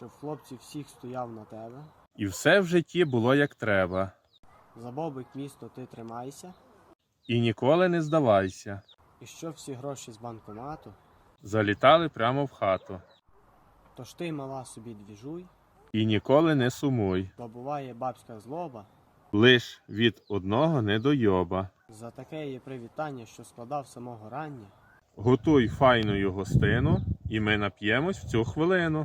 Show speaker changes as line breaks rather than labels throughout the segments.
в хлопців всіх стояв на тебе.
І все в житті було як треба.
За бобик місто ти тримайся.
І ніколи не здавайся.
І що всі гроші з банкомату,
Залітали прямо в хату.
тож ти, мала, собі двіжуй,
І ніколи не сумуй.
бо буває бабська злоба.
Лиш від одного недойоба.
За таке є привітання, що складав самого рання.
Готуй файною гостину, і ми нап'ємось в цю хвилину.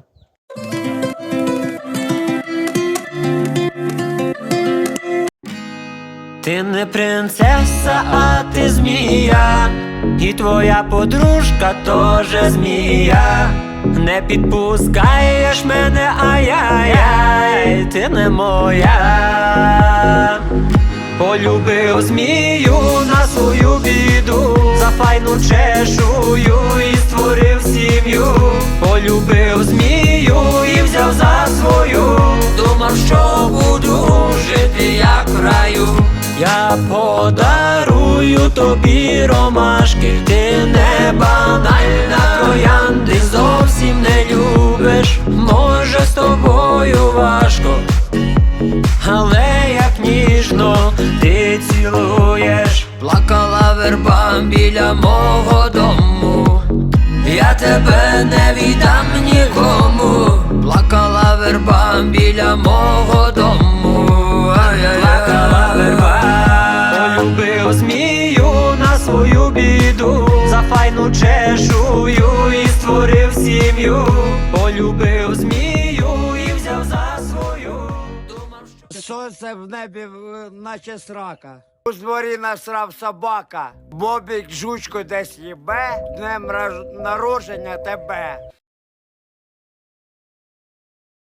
Ти не принцеса, а ти змія, і твоя подружка теж змія. Не підпускаєш мене, ай-яй-яй, ти не моя. Полюбив змію на свою біду, за файну чешую і створив сім'ю. Полюбив змію і взяв за свою, думав, що буду жити як в раю. Я подарую тобі ромашки, ти не банальна троянди, зовсім не любиш, може з тобою важко, але як ніжно ти цілуєш. Плакала верба біля мого дому, я тебе не віддам нікому. Плакала верба біля мого дому, плакала верба. Полюбив змію на свою біду, за файну чешую і створив сім'ю. Полюбив змію і взяв за свою, думав, що...
Сонце в небі, наче срака. У дворі насрав собака. Бобік жучку десь їбе, днем народження тебе.